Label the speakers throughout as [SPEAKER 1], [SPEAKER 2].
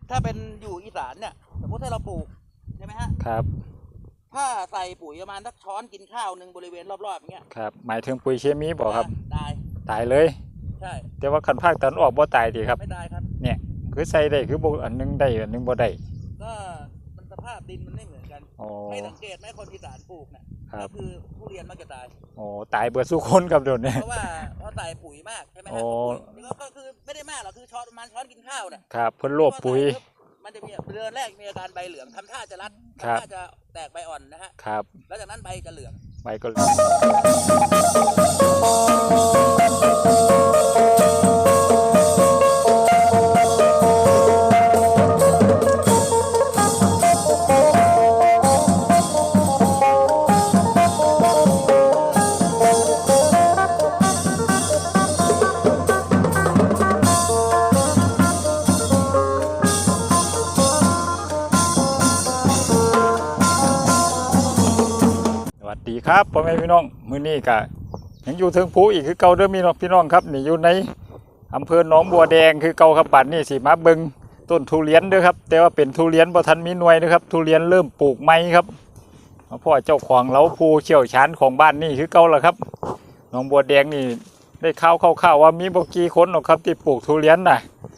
[SPEAKER 1] ถ้าเป็นอยู่อีสานเนี่ยสมมติถ้าเราปลูกใช่ไหมฮะ
[SPEAKER 2] ครับ
[SPEAKER 1] ถ้าใส่ปุ๋ยประมาณสักช้อนกินข้าวหนึ่งบริเวณรอบๆอย่างเงี้ย
[SPEAKER 2] ครับหมายถึงปุ๋ยเคมีบอกครับ
[SPEAKER 1] ตาย
[SPEAKER 2] เลย
[SPEAKER 1] ใช่
[SPEAKER 2] แต่ว่าคันภาคตะวันออกบ่ตายดีครับ
[SPEAKER 1] ไม่ตายครับ
[SPEAKER 2] เนี่ยคือใส่ได้คือบ่อันนึงได้อันนึงบ่ได้
[SPEAKER 1] ก็มันสภาพดินมันไม่เหมือนกันให้สังเกตไหมคนอีสานปลูกเนี่ยก็คือทุเรียนมักจะตาย
[SPEAKER 2] ตายเบิดสู้คนครับโดนเนี่ย
[SPEAKER 1] เพราะว่าเขาใส่ปุ๋ยมากใช่ไหมฮะก็คือไม่ได้มากหรอกคือช้อนประมาณช้อนกินข้าวเนี่ย
[SPEAKER 2] ครับเพิ่นโลภปุ๋ย
[SPEAKER 1] มันจะมีเดือนแรกมีอาการใบเหลืองทำท่าจะรัดทำท่าจะแตกใบอ่อนนะฮะ
[SPEAKER 2] ครับ
[SPEAKER 1] แล้วจากนั้นใบจะเหลือง
[SPEAKER 2] ใบก็เหลืองดีครับพ่อแม่พี่น้องมื้อนี้ก็ยังอยู่ถึงภูอีกคือเก่าเด้อมีพี่น้องครับนี่อยู่ในอำเภอหนองบัวแดงคือเก่าครับบัดนี้สิมาเบิ่งต้นทุเรียนเด้อครับแต่ว่าเป็นทุเรียนบ่ทันมีหน่วยเด้อครับทุเรียนเริ่มปลูกใหม่ครับพ่อเจ้าของเราผู้เชี่ยวชาญของบ้านนี่คือเก่าล่ะครับหนองบัวแดงนี่ได้ข่าวว่ามีบ่กี่คนหรอกครับที่ปลูกทุเรียนน่ะ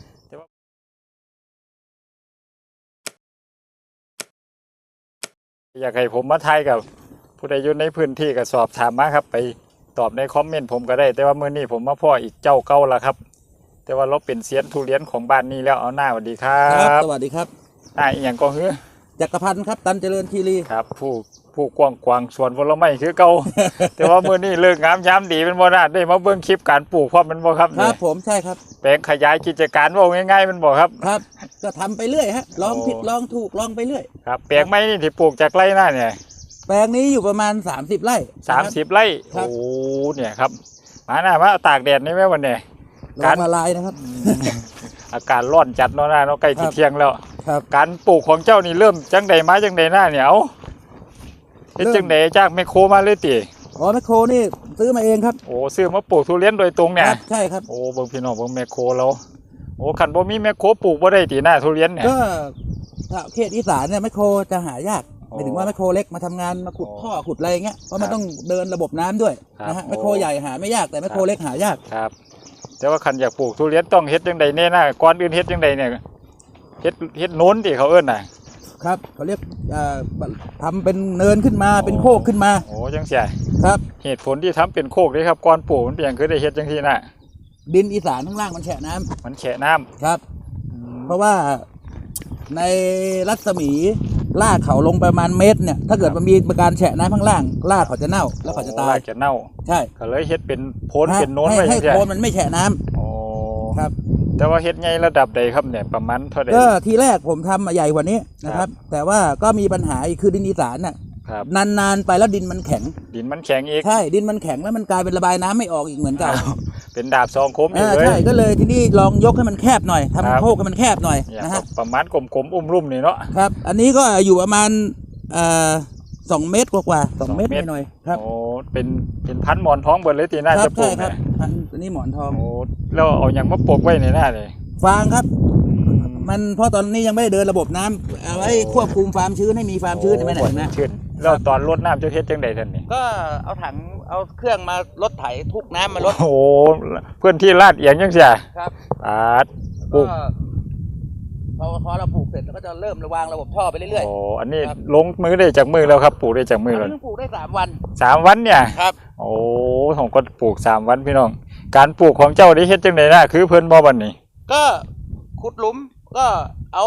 [SPEAKER 2] อยากให้ผมมาถ่ายกับผู้ใดอยู่ในพื้นที่ก็สอบถามมาครับไปตอบในคอมเมนต์ผมก็ได้แต่ว่ามื้อนี้ผมมาพ่ออีกเจ้าเก่าละครับแต่ว่าเราเป็นเซียนทุเรียนของบ้านนี้แล้วเอาหน้าสวัสดีครับ
[SPEAKER 1] สวัสดีครับ
[SPEAKER 2] อีกอย่างก็คือ
[SPEAKER 1] จักรพันธ์ครับตันเจริญคีรี
[SPEAKER 2] ครับผู้กว้างสวนผลไม้คือเก่า แต่ว่ามื้อนี้เลิกงามยามดีเป็นบ่ได้ได้มาเบิ่งคลิปการปลูกพร้อมมันบ่ครับ
[SPEAKER 1] ครับผมใช่ครับ
[SPEAKER 2] แปลงขยายกิจการว่าง่ายๆมันบ่ครับ
[SPEAKER 1] ครับก็ทำไปเรื่อยฮะลองผิดลองถูกลองไปเรื่อย
[SPEAKER 2] ครับแปลงไม้นี่ที่ปลูกจากไร่หน้าเนี่ย
[SPEAKER 1] แปลงนี้อยู่ประมาณ30 ไร่
[SPEAKER 2] 30 ไร่โอ้เนี่ยครับมาตากแดดนี่แม่วันเนี่ย
[SPEAKER 1] การละลายนะครับ
[SPEAKER 2] อากาศร้อนจัดเนาะเนาะใกล้เที่ยงแล้ว
[SPEAKER 1] ครับ
[SPEAKER 2] การปลูกของเจ้านี่เริ่มจังใดมาจังใดหน้าเนี่ยเอาเฮ็ดจังใดจากแมคโครมาเลยติ
[SPEAKER 1] แมคโครนี่ซื้อมาเองครับ
[SPEAKER 2] ซื้อมาปลูกทุเรียนโดยตรงเนี่ย
[SPEAKER 1] ใช่ครับ
[SPEAKER 2] เบิ่งพี่น้องเบิ่งแมคโครแล้วคันบ่มีแมคโครปลูกบ่ได้ติหน้าทุเรียนเนี่ย
[SPEAKER 1] ก็ถ้าเขตอีสานเนี่ยแมคโครจะหายากหมายถึงว่าแมคโครเล็กมาทำงานมาขุดท่อขุดอะไรเงี้ยเพราะมันต้องเดินระบบน้ำด้วยนะฮะแมคโครใหญ่หาไม่ยากแต่แมคโครเล็กหายาก
[SPEAKER 2] ครับแต่ว่าคันอยากปลูกทุเรียนต้องเฮ็ดจังใดแน่นะก่อนอื่นเฮ็ดจังใดเนี่ยเฮ็ดโน้นที่เขาเอิ้นน่ะ
[SPEAKER 1] ครับเขาเรียกทำเป็นเนินขึ้นมาเป็นโคกขึ้นมา
[SPEAKER 2] จังซี่
[SPEAKER 1] ครับ
[SPEAKER 2] เหตุผลที่ทำเป็นโคกนี่ครับก่อนปลูกมันเป็นหยังคือได้เฮ็ดจังซี่น่ะ
[SPEAKER 1] ดินอีสานข้างล่างมันแฉะน้ำครับเพราะว่าในรัศมีรากเขาลงประมาณเมตรเนี่ยถ้าเกิดมันมีการแฉะน้ำข้างล่างรากเขาจะเน่าแล้วเขาจะตาย
[SPEAKER 2] รากจะเน่า
[SPEAKER 1] ใช่
[SPEAKER 2] ก็เลยเฮ็ดเป็นโพนเป็นโน้น
[SPEAKER 1] ให้โพนมันไม่แฉะน้ำครับ
[SPEAKER 2] แต่ว่าเฮ็ดไงระดับใดครับเนี่ยประมาณเท่าใด
[SPEAKER 1] ก็ทีแรกผมทำใหญ่กว่านี้นะครับแต่ว่าก็มีปัญหาอีกคือดินอีสานน่ะนานๆไปแล้วดินมันแข็ง
[SPEAKER 2] อีก
[SPEAKER 1] ใช่ดินมันแข็งแล้วมันกลายเป็นระบายน้ำไม่ออกอีกเหมือนเก่า
[SPEAKER 2] เป็นดาบสองคมอีกเลย
[SPEAKER 1] ใช่ก็เลยที่นี่ลองยกให้มันแคบหน่อยทำโคกให้มันแคบหน่อยนะฮะ
[SPEAKER 2] ประมาณกลมๆอุ้มรุ่มนี่เนาะ
[SPEAKER 1] ครับอันนี้ก็อยู่ประมาณ2 เมตรกว่า2 เมตรหน่อยครับ
[SPEAKER 2] เป็นพันหมอนทองเบิดเลยตีหน้าจะปลูก
[SPEAKER 1] เนี่ยอันนี้หมอนทอง
[SPEAKER 2] แล้วเอาอย่างมาปลูกไว้ในหน้าเลย
[SPEAKER 1] ฟางครับมันเพราะตอนนี้ยังไม่ได้เดินระบบน้ำเอาไว้ควบคุมความชื้นให้มีความชื้นใช่ไหมนะ
[SPEAKER 2] แล้วตอนรดน้ำจะเฮ็ดจังใดท่านนี่
[SPEAKER 1] ก็เอาถังเอาเครื่องมารดไถทุกน้ำมาลด
[SPEAKER 2] เพื่อนที่ลาดเอียงยังเสีย
[SPEAKER 1] ครับ
[SPEAKER 2] ปลูก
[SPEAKER 1] พอเราปลูกเสร็จเราก็จะเริ่มวางระบบท่อไปเรื่อย
[SPEAKER 2] ๆอันนี้ลงมือได้จากมือแล้วครับปลูกได้จากมือแล้ว
[SPEAKER 1] ปลูกได้3 วัน
[SPEAKER 2] 3 วันเนี่ย
[SPEAKER 1] ครับ
[SPEAKER 2] ผมก็ปลูก3 วันพี่น้องการปลูกของเจ้าได้เฮ็ดจังใดนะคือเพิ่นบ่บัดนี้
[SPEAKER 1] ก็ขุดหลุมก็เอา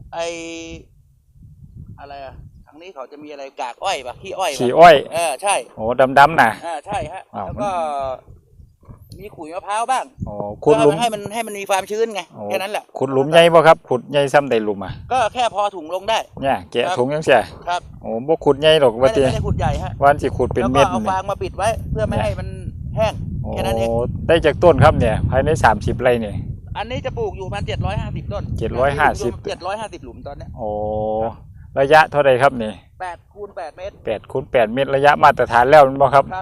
[SPEAKER 1] อะไรทางนี้เขาจะมีอะไรกากอ้อยป่ะขี้อ้อยใช่
[SPEAKER 2] ดำๆน่ะ
[SPEAKER 1] ใช่ฮะแล้วก็มีขุยมะพร้าวบ้าง
[SPEAKER 2] ขุดหลุม
[SPEAKER 1] ให้มันมีความชื้นไงแค่นั้นแหละ
[SPEAKER 2] ขุดหลุมใหญ่บ่ครับขุดใหญ่ซ้ำใดหลุม
[SPEAKER 1] ก็แค่พอถุงลงได้
[SPEAKER 2] เนี่ยแกะถุงจังซี่
[SPEAKER 1] ครับ
[SPEAKER 2] บ่ขุดใหญ่หรอกว่าติ
[SPEAKER 1] ไม่ได้ขุดใหญ่ฮะ
[SPEAKER 2] วันสิขุดเป็นเม็ด
[SPEAKER 1] แล้วก็เอาฟางมาปิดไว้เพื่อไม่ให้มันแห้งแค่นั้นเอง
[SPEAKER 2] ได้จากต้นครับเนี่ยภายใน30 ไร่เนี่ย
[SPEAKER 1] อันนี้จะปลูกอยู่ประมาณ750 ต้น750 หลุมตอนนี้
[SPEAKER 2] ระยะเท่าไรครับนี่
[SPEAKER 1] 8 คูณ 8 เมตร
[SPEAKER 2] 8 คูณ 8 เมตรระยะมาตรฐานแล้วมั้ยบ่ครับ
[SPEAKER 1] ครับป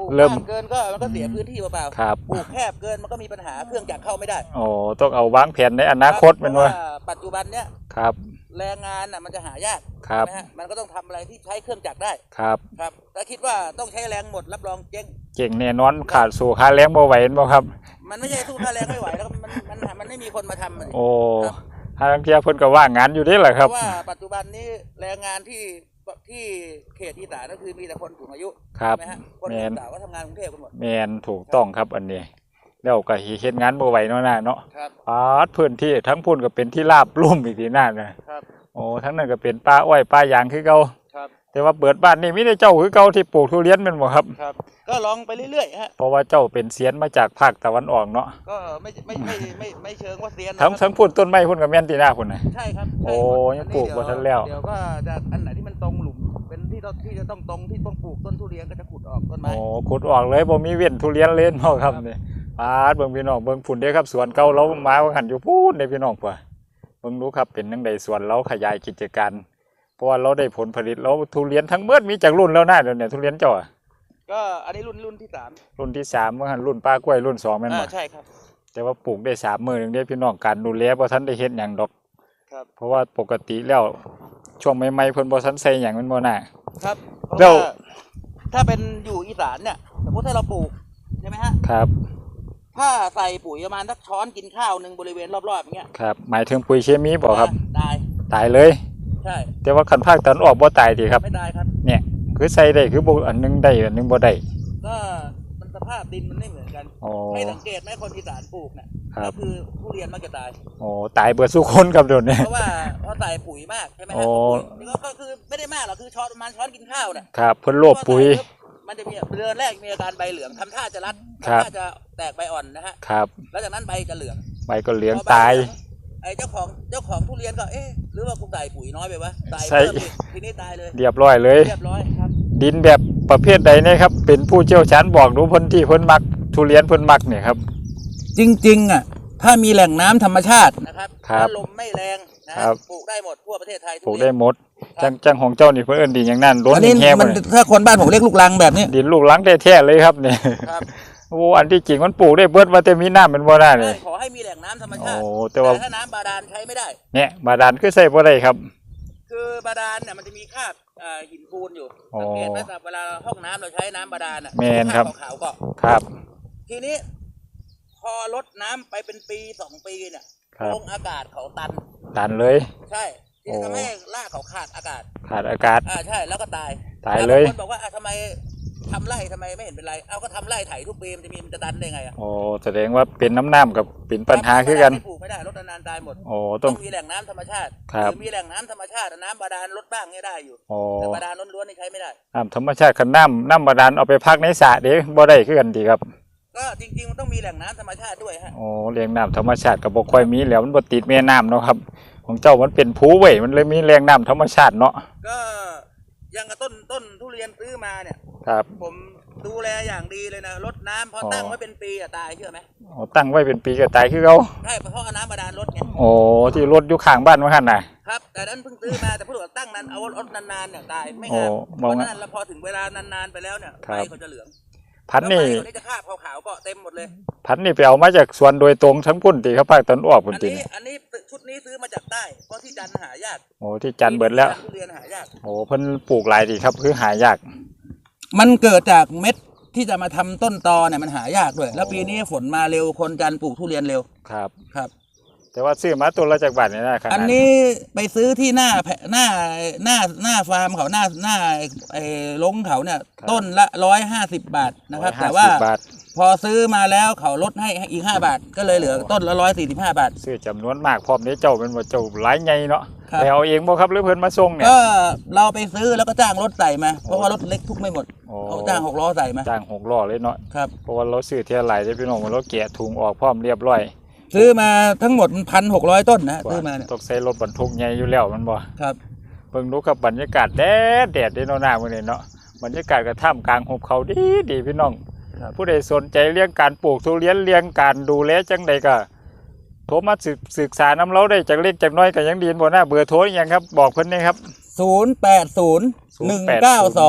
[SPEAKER 1] ปลูก
[SPEAKER 2] เริ่ม
[SPEAKER 1] กว้างเกินก็มันก็เสียพื้นที่เปล่า
[SPEAKER 2] ครับ
[SPEAKER 1] ๆปลูกแคบเกินมันก็มีปัญหาเครื่องจักรเข้าไม่ได้
[SPEAKER 2] โอ้ต้องเอาวางแผนในอนาคต
[SPEAKER 1] เพ
[SPEAKER 2] แมัน
[SPEAKER 1] ราะ
[SPEAKER 2] ว่า
[SPEAKER 1] ว่าปัจจุบันเนี้ย
[SPEAKER 2] ครับ
[SPEAKER 1] แรงงานน่ะมันจะหายาก
[SPEAKER 2] ครับ
[SPEAKER 1] ใช่ไหมฮะมันก็ต้องทำอะไรที่ใช้เครื่องจักรได้
[SPEAKER 2] ครับ
[SPEAKER 1] ครับถ้าคิดว่าต้องใช้แรงหมดรับรองเจ๊ง
[SPEAKER 2] เก่งแน่นอนขาดสู่ค่าแรงบ่ไหวเห็นบ่ครับ
[SPEAKER 1] มันไม่ใช่สู้ค่าแรงไม่ไหวแล้วมันไม่มีคนมาทำมัน
[SPEAKER 2] โอ้ทางเที่ยเพิ่นก็ว่างงานอยู่เด้แหละ
[SPEAKER 1] เพ
[SPEAKER 2] ครับ
[SPEAKER 1] ราะว่าปัจจุบันนี้แรงงานที่เขตอีสานก็คือมีแต่คนสูงอายุ
[SPEAKER 2] ครับ
[SPEAKER 1] ใช่ไหมฮะคน
[SPEAKER 2] แม่น
[SPEAKER 1] สาวก็ทำงานกรุงเทพกันหมด
[SPEAKER 2] แม่นถูกต้องครับอันนี้แล้วก็เฮ็ดงานบ่ไหวเนาะน่ะเนาะ
[SPEAKER 1] ครับ
[SPEAKER 2] พื้นที่ทั้งพุ่นก็เป็นที่ราบลุ่มอีกทีน่านะครับ โอ้ทั้งนั้นก็เป็นป่าอ้อยป่ายางคือเก่า
[SPEAKER 1] ครับ
[SPEAKER 2] แต่ว่าเปิดบ้านนี่มีแต่เจ้าคือเก่าที่ปลูกทุเรียนแม่นบ่ครับ
[SPEAKER 1] ครับก็ลองไปเรื่อยๆฮะ
[SPEAKER 2] เพราะว่าเจ้าเป็นเซียนมาจากภาคตะวันออกเนาะ
[SPEAKER 1] ก็ไม่เชิงว่าเซียนนะ
[SPEAKER 2] ทั้งพุ่นต้นไม้พุ่นก็แม่นที่หน้าพุ่นน่ะ
[SPEAKER 1] ใช่ครับ
[SPEAKER 2] โอ้
[SPEAKER 1] ใช่
[SPEAKER 2] ยังปลูกบ่ทันแล้ว
[SPEAKER 1] เดี๋ยวก็จะอันไหนที่มันตรงหลุมเป็นที่จะต้องตรงที่ต้องปลูกต้นทุเรียนก็จะขุดออกต้นไม้
[SPEAKER 2] โอ้ขุดออกเลยบ่มีเว้นทุเรียนเล่นเนาะครับนี่เบิ่งพี่น้องเบิ่งพุ่นเด้ครับสวนเก่าเรามาว่าหั่นอยู่พูนเด้พี่น้องพ่อเบิ่งดูครับเป็นจังไดสวนเราขยายกิจการเพราะว่าเราได้ผลผลิตเราทุเรียนทั้งเบิดมีจากรุ่นแล้วนะเดี๋ยวนี้ทุเรียนเจ้าอะ
[SPEAKER 1] ก็อันนี้รุ่นที่ 3
[SPEAKER 2] รุ่นที่3ว่าหั่นรุ่นป้ากล้วยรุ่น2แม่นบ่
[SPEAKER 1] ใช่ครับ
[SPEAKER 2] แต่ว่าปลูกได้3มื้อนึงเด้พี่น้องการดูแลบ่ทันได้เฮ็ดหยังดอก
[SPEAKER 1] ครับ
[SPEAKER 2] เพราะว่าปกติแล้วช่วงใหม่ๆเพิ่นบ่ทันใส่หยังแม่นบ่น่ะ
[SPEAKER 1] ครับเพราะ
[SPEAKER 2] แล้ว
[SPEAKER 1] ว่าถ้าเป็นอยู่อีสานเนี่ยสมมติถ้าเราปลูกใช่ไหมฮะ
[SPEAKER 2] ครับ
[SPEAKER 1] ถ้าใส่ปุ๋ยประมาณสักช้อนกินข้าวหนึ่งบริเวณรอบๆอย่างเงี้ย
[SPEAKER 2] ครับหมายถึงปุ๋ยเคมีบ่ครับ
[SPEAKER 1] ตาย
[SPEAKER 2] ตายเลย
[SPEAKER 1] ใช่
[SPEAKER 2] แต่ว่าคันภาคตะวันออกบ่ตายติครับ
[SPEAKER 1] ไม่ตายครับ
[SPEAKER 2] เนี่ยคือใส่ได้คือบ่อันหนึงได้อันหนึงบ่ได้
[SPEAKER 1] ก็มันสภาพดินมันไม่เหมือนกัน
[SPEAKER 2] อ๋อ
[SPEAKER 1] ให้สังเกตไหมคนอีสานปลูกเนี่ย
[SPEAKER 2] ครับ
[SPEAKER 1] ก็คือทุเรียนมักจะตาย
[SPEAKER 2] โอ้ตายเบิดสู้คนครับเดี๋ยวนี้
[SPEAKER 1] เพราะว่าเขาใส่ปุ๋ยมากใช่ไหม
[SPEAKER 2] โอ้
[SPEAKER 1] ฮะปุ๋ยก็คือไม่ได้มากหรอกคือช้อนประมาณช้อนกินข้าวเนี่ย
[SPEAKER 2] ครับเพิ่นโลภปุ๋ย
[SPEAKER 1] มันจะมีเดือนแรกมีอาการใบเหลืองทำท่าจะรัด
[SPEAKER 2] ครับ
[SPEAKER 1] ทำท่าจะแตกใบอ่อนนะฮะ
[SPEAKER 2] ครับ
[SPEAKER 1] แล้วจากนั้นใบจะเหลือง
[SPEAKER 2] ใบก็เหลือง
[SPEAKER 1] พอใบ
[SPEAKER 2] ตาย
[SPEAKER 1] เหลืองไอ้เจ้าของทุเรียนก็หรือว่ากูใส่ปุ๋ยน้อยไปวะใส่
[SPEAKER 2] ใส่
[SPEAKER 1] เพิ่มอีกทีนี้ตายเลย
[SPEAKER 2] เรียบร้อยเลย
[SPEAKER 1] เรียบร้อยครับ
[SPEAKER 2] ดินแบบประเภทใดเนี่ยครับเป็นผู้เชี่ยวชาญบอกดูเพิ่นที่เพิ่นมักทุเรียนเพิ่นมักเนี่ยครับ
[SPEAKER 1] จริงๆอ่ะถ้ามีแหล่งน้ำธรรมชาตินะครับ
[SPEAKER 2] ครับ
[SPEAKER 1] แล้วลมไม่แรงนะครับ ปลูกได้หมดทั่วประเทศไทย
[SPEAKER 2] ปลูกได้หมดจังของเจ้านี่เพิ่นเอิ้นดินอย่างนั้นล้น
[SPEAKER 1] อันนี้
[SPEAKER 2] แห้ง
[SPEAKER 1] มัน
[SPEAKER 2] เลย
[SPEAKER 1] ถ้าคนบ้านผมเรียกลูกรังแบบนี้
[SPEAKER 2] ดินลูกหลังแท้ๆเลยครับเนี่ย
[SPEAKER 1] ครับ
[SPEAKER 2] โอ้อันที่จริงมันปลูกได้เบิดว่าแต่มีน้ำมันบ่ได้เลย
[SPEAKER 1] ขอให้มีแหล่งน้ำธรรมชา
[SPEAKER 2] โอ้
[SPEAKER 1] ติ
[SPEAKER 2] แต่ว่า
[SPEAKER 1] ถ้าน้ำบาดาลใช้ไม่ได้
[SPEAKER 2] เนี่ยบาดาลคือใส่บ่ได้ครับ
[SPEAKER 1] คือบาดาลเนี่ยมันจะมีคราบหินปูนอยู่
[SPEAKER 2] อ๋อ
[SPEAKER 1] สังเกตไหมครับเวลาห้องน้ำเราใช้น้ำบาดาลอ่ะ
[SPEAKER 2] แม่นครับ
[SPEAKER 1] คราบขาวๆเกาะ
[SPEAKER 2] ครับ
[SPEAKER 1] ทีนี้ พอลดน้ำไปเป็นปี2 ปีเนี่ย
[SPEAKER 2] ครับ
[SPEAKER 1] ลงอากาศเขาตัน
[SPEAKER 2] ดันเลย
[SPEAKER 1] ใช่ที่
[SPEAKER 2] โอ้
[SPEAKER 1] ทำให้รากเขาขาดอากาศ
[SPEAKER 2] ขาดอากาศ
[SPEAKER 1] ใช่แล้วก็ตาย
[SPEAKER 2] ตายเลย
[SPEAKER 1] แวบางคนบอกว่าทำไมทำไร่ทำไมไม่เห็นเป็นไรเอาก็ทำไร่ไถทุกปีมันจะดันได้ไงอ่ะ
[SPEAKER 2] โอ้แสดงว่าเป็นน้ำกับเป็นปัญหาคือกัน
[SPEAKER 1] ปลูกไม่ได้ลดนานๆตายหมด
[SPEAKER 2] โอ้ต้
[SPEAKER 1] ต้
[SPEAKER 2] อ
[SPEAKER 1] อง งมีแหล่งน้ำธรรมชาติ
[SPEAKER 2] ครับ
[SPEAKER 1] หรือมีแหล่งน้ำธรรมชาติน้ำบาดาลลดบ้างเนี่ยได้อยู่
[SPEAKER 2] โอ้
[SPEAKER 1] แต่บาดาลล้วนๆนี่ใช้ไม่ได้
[SPEAKER 2] น้ำธรรมชาติคันน้ำบาดาลเอาไปพักในสระเด้บ่ได้คือกันดีครับ
[SPEAKER 1] ก็จริงๆมันต้องมีแหล่งน้ำธรรมชาติด้วยฮะ
[SPEAKER 2] โอ้เลี้ยงน้ำธรรมชาติก็บ่ค่อยมีแล้วมันบ่ติดแม่น้ำเนาะครับ ของเจ้ามันเป็นภูเว้ยมันเลยมีแรงน้ำธรรมชาติเนาะ
[SPEAKER 1] ก็อยังกับต้นทุเรียนซื้อมาเนี่ย
[SPEAKER 2] ครับ
[SPEAKER 1] ผมดูแลอย่างดีเลยนะรดน้ำพอตั้งไว้เป็นปีอะตายเชื่อไหม
[SPEAKER 2] โอ้ตั้งไว้เป็นปีก็ตายคือเขา
[SPEAKER 1] ใช่เพราะเอาน้ำบาดาลรดไง
[SPEAKER 2] โอ้ที่รถอยู่ข้างบ้านว่าหั่นน่ะ
[SPEAKER 1] ครับแต่นั้นเพิ่งซื้อมาแต่พูดว่าตั้งนั้นเอารดนานๆเนี่ยตายไม่
[SPEAKER 2] โอ้
[SPEAKER 1] งาม
[SPEAKER 2] ม
[SPEAKER 1] เพ
[SPEAKER 2] อง
[SPEAKER 1] ราะ
[SPEAKER 2] ว่า
[SPEAKER 1] นั้นแล้วพอถึงเวลานานๆไปแล้วเนี่ย
[SPEAKER 2] ครั
[SPEAKER 1] ใบบ เขาจะเหลือง
[SPEAKER 2] พันธุ์นี่
[SPEAKER 1] แล้วใบเขาจะคราบขาวๆก็เต็มหมดเลย
[SPEAKER 2] พันธุ์นี่ไปเอามาจากสวนโดยตรงทั้งพุ่นติครับภาคตะวันออกพุ่นติ
[SPEAKER 1] อันนี้ชุดนี้ซื้อมาจากใต้เพราะที่จันทร์หายาก
[SPEAKER 2] โอ้ที่จันทร์เบิดแล้ว
[SPEAKER 1] ทุเรียนหายาก
[SPEAKER 2] โอ้เพิ่นปลูกหลายดีครับคือหายาก
[SPEAKER 1] มันเกิดจากเม็ดที่จะมาทำต้นตอเนี่ยมันหายากด้วย แล้วปีนี้ฝนมาเร็วคนจันทร์ปลูกทุเรียนเร็ว
[SPEAKER 2] ครับ
[SPEAKER 1] ครับ
[SPEAKER 2] แต่ว่าซื้อมาตัวละจากบาทนี่นะครับ
[SPEAKER 1] อันนี้ไปซื้อที่หน้าฟาร์มเขาหน้าไอ้ลงเขาเนี่ยต้นละ150 บาทนะครับ แต่ว่า
[SPEAKER 2] บาท
[SPEAKER 1] พอซื้อมาแล้วเขาลดให้อีก5 บาท ก็เลยเหลือต้นละ145 บาท
[SPEAKER 2] ซื้อจำนวนมากพร้อมนี้เจ้าเป็นว่าเจ้าหลายใหญ่เนาะ
[SPEAKER 1] ครับ
[SPEAKER 2] ไปเอาเองบ่ครับหรือเพิ่นมาส่งเนี่ย
[SPEAKER 1] ก็เราไปซื้อแล้วก็จ้างรถใส่มา เพราะว่ารถเล็กทุกไม่หมด
[SPEAKER 2] โอ้
[SPEAKER 1] เขาจ้าง6 ล้อใส่มา
[SPEAKER 2] จ้าง6ล้อเลยเนาะ
[SPEAKER 1] ครับ
[SPEAKER 2] เพราะว่าเราซื้อเที่ยวหลายได้พี่น้องเราแกะถุงออกพร้อมเรียบร้อย
[SPEAKER 1] ซื้อมาทั้งหมด1,600 ต้นนะซื้อมาเนี่ย
[SPEAKER 2] ต้องใช้รถบรรทุกใหญ่อยู่แล้วมันบ่
[SPEAKER 1] ครับ
[SPEAKER 2] เบิ่งดูครับบรรยากาศแดดเด้เนาะหน้ามื้อนี้เนาะบรรยากาศก็ท่ามกลางหุบเขาดีพี่น้อง
[SPEAKER 1] ครับ
[SPEAKER 2] ผู้ใดสนใจเรื่องการปลูกทุเรียนเรื่องการดูแลจังใดก็โทรมาศึกษาน้ำเราได้จากเล็กจากน้อยก็ยังดีบ่นะเบอร์โทรอีหยังครับบอกเพิ่นนี่ครับ
[SPEAKER 1] 080 192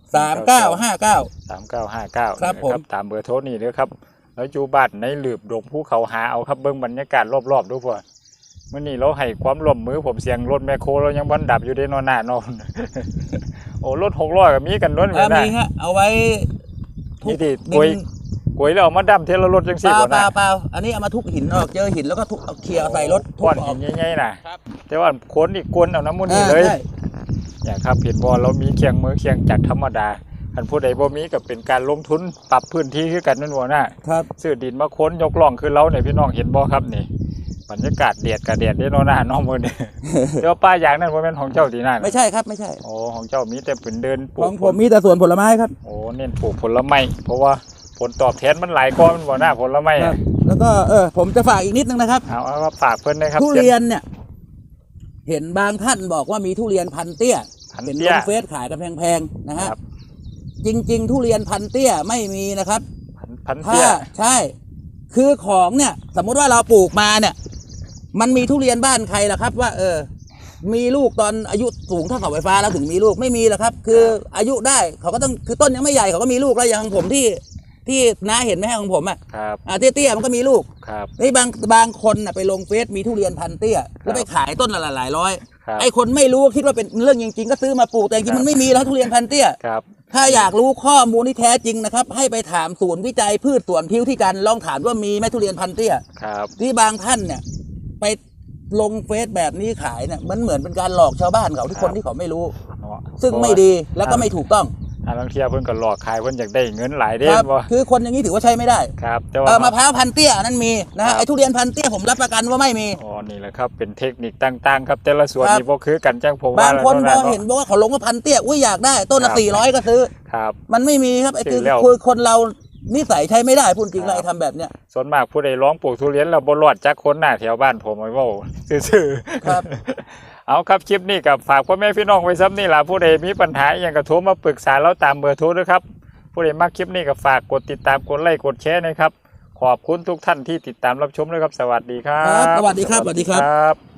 [SPEAKER 2] 3959
[SPEAKER 1] ครับผม
[SPEAKER 2] ตามเบอร์โทรนี่เด้อครับแล้วอยู่บ้านในหลืบดงภูเขาหาเอาครับเบิ่งบรรยากาศรอบๆดูพ่อมื้อนี้เราให้ความร่วมมือผมเสียงรถแมคโครเรายังบ่ดับอยู่เด้นอนหน้านอน โอ้รถ600ก็มีกันล้วนเหมือน
[SPEAKER 1] มีฮะเอาไว้ทุ
[SPEAKER 2] นี่
[SPEAKER 1] ก
[SPEAKER 2] ที่
[SPEAKER 1] ดิน
[SPEAKER 2] กวยแล้วเอามาดำเทละรถจัง
[SPEAKER 1] เป
[SPEAKER 2] ซี่
[SPEAKER 1] ล่า
[SPEAKER 2] บ่
[SPEAKER 1] เป
[SPEAKER 2] นะ
[SPEAKER 1] ล่าเปล่าอันนี้เอามาทุกหินออกเจอหินแล้วก็ทุกเอาเคลียร์ใส่รถทุ
[SPEAKER 2] ก้
[SPEAKER 1] ก
[SPEAKER 2] อน
[SPEAKER 1] อ
[SPEAKER 2] หิ
[SPEAKER 1] อก
[SPEAKER 2] นใหญ่ๆน่ะ
[SPEAKER 1] ครับ
[SPEAKER 2] แต่ว่าคนอีกคนเอาน้ำมันนี่เลย
[SPEAKER 1] ใช่
[SPEAKER 2] เนี่ยครับเห็นบ่เรามีเคียงมือเคียงจักรธรรมดาคันผู้ใดบ่มีก็เป็นการลงทุนปรับพื้นที่คือกันนั่นบ่น่ะ
[SPEAKER 1] ครับ
[SPEAKER 2] ซื้อดินมาค้นยกล่องคือเราเนี่ยพี่น้องเห็นบ่ครับนี่บรรยากาศเดียดกับเดียดได้เนาะหน้าน้องมื้อนี้ เดี๋ยวป้าอย่างนั้นบ่แม่นของเจ้าที่นั่น
[SPEAKER 1] ไม่ใช่ครับไม่ใช่
[SPEAKER 2] โอ้ของเจ้ามีแต่เป็นเดินปลู
[SPEAKER 1] ข
[SPEAKER 2] ก
[SPEAKER 1] องผมมีแต่สวนผลไม้ครับ
[SPEAKER 2] โอ้เน้นปลูกผลไม้เพราะว่าผลตอบแทนมันหลายกว่ามันบ่หน้าผลไม้
[SPEAKER 1] ครั
[SPEAKER 2] อะ
[SPEAKER 1] บ แล้วก็ผมจะฝากอีกนิดนึงนะครับ
[SPEAKER 2] เอาว่าฝากเพิ่นนะครับ
[SPEAKER 1] ทุเรียนเนี่ย เห็นบางท่านบอกว่ามีทุเรียนพันเตี้ย
[SPEAKER 2] พัน
[SPEAKER 1] เห็น
[SPEAKER 2] เตี้
[SPEAKER 1] ล
[SPEAKER 2] ย
[SPEAKER 1] งเฟซขายกันแพงๆนะฮะ
[SPEAKER 2] ครับ
[SPEAKER 1] จริง ๆ ทุเรียนพันเตี้ยไม่มีนะครับ
[SPEAKER 2] พัน
[SPEAKER 1] ถ้า
[SPEAKER 2] เตี้ย
[SPEAKER 1] ใช่ คือของเนี่ย สมมุติว่าเราปลูกมาเนี่ย มันมีทุเรียนบ้านใครล่ะครับ ว่า มีลูกตอนอายุสูงเท่าเสาไฟฟ้าแล้วถึงมีลูกไม่มีหรอกครับ คืออายุได้เขาก็ต้องคือต้นยังไม่ใหญ่เขาก็มีลูกแล้วอย่างของผมที่น้าเห็นไหมฮะของผมอ่ะ
[SPEAKER 2] ครับ
[SPEAKER 1] เตี้ยๆมันก็มีลูก
[SPEAKER 2] ครับ
[SPEAKER 1] นี่บางคนน่ะไปลงเฟซมีทุเรียนพันเตี้ยแล้วไปขายต้นละหลายร้อย
[SPEAKER 2] ครับ
[SPEAKER 1] ไอ้คนไม่รู้คิดว่าเป็นเรื่องจริงๆก็ซื้อมาปลูกแต่จริงๆมันไม่มีแล้วทุเรียนพันเตี้ย
[SPEAKER 2] ครับ
[SPEAKER 1] ถ้าอยากรู้ข้อมูลที่แท้จริงนะครับ ให้ไปถามศูนย์วิจัยพืชสวนพิ้วที่กันลองถามว่ามีไหมทุเรียนพันเตี้ย
[SPEAKER 2] ครับ
[SPEAKER 1] ที่บางท่านเนี่ยไปลงเฟซแบบนี้ขายเนี่ยมันเหมือนเป็นการหลอกชาวบ้านเขาที่คนที่เขาไม่รู้
[SPEAKER 2] เนาะ
[SPEAKER 1] ซึ่งไม่ดีแล้วก็ไม่ถูกต้อง
[SPEAKER 2] บางเที่ยเพิ่นก็หลอกขายเพิ่นอยากได้เงินหลายเด้
[SPEAKER 1] ครับ
[SPEAKER 2] บ่
[SPEAKER 1] คือคนอย่างนี้ถือว่าใช้ไม่ได้
[SPEAKER 2] ครับแต่ว่าม
[SPEAKER 1] ะพร้าวพันเตี้ยอันนั้นมีนะ
[SPEAKER 2] ครั
[SPEAKER 1] ฮะ
[SPEAKER 2] บ
[SPEAKER 1] ไอ้ทุเรียนพันเตี้ยผมรับประกันว่าไม่มี
[SPEAKER 2] อ๋อนี่แหละครับเป็นเทคนิคต่างๆ ครับแต่ละส่วน
[SPEAKER 1] ครับ
[SPEAKER 2] นี่บ่คือกันจังผม
[SPEAKER 1] บางคนพ
[SPEAKER 2] ว่า
[SPEAKER 1] อเห็นบอกว่าเขาลงว่าพันเตี้ยอุ้ยอยากได้ต้นละ
[SPEAKER 2] ครับ
[SPEAKER 1] 400ก็ซื้อ
[SPEAKER 2] ครับ
[SPEAKER 1] มันไม่มีครับไอ้
[SPEAKER 2] ซื้อแล้ว
[SPEAKER 1] คือคนเรานิสัยใช้ไม่ได้พูดจริง
[SPEAKER 2] ครับ
[SPEAKER 1] เลยทำแบบเนี้ย
[SPEAKER 2] ส่วนมากผู้ใดร้องปลูกทุเรียนแล้วบ่รอดจักคนหน้าแถวบ้านผมไว้เว้าซื่อๆ
[SPEAKER 1] ครับ
[SPEAKER 2] เอาครับคลิปนี้กับฝากพ่อแม่พี่น้องไว้ซ้ำนี่ล่ะผู้ใดมีปัญหาอหยังก็โทรมาปรึกษาเราตามเบอร์โทรด้วยครับผู้ใดมักคลิปนี้ก็ฝากกดติดตามกดไลค์กดแชร์นะครับขอบคุณทุกท่านที่ติดตามรับชมด้วยครับสวัสดีครั
[SPEAKER 1] ครับ บสวัสดีครับสวัสดีครับ
[SPEAKER 2] ครับ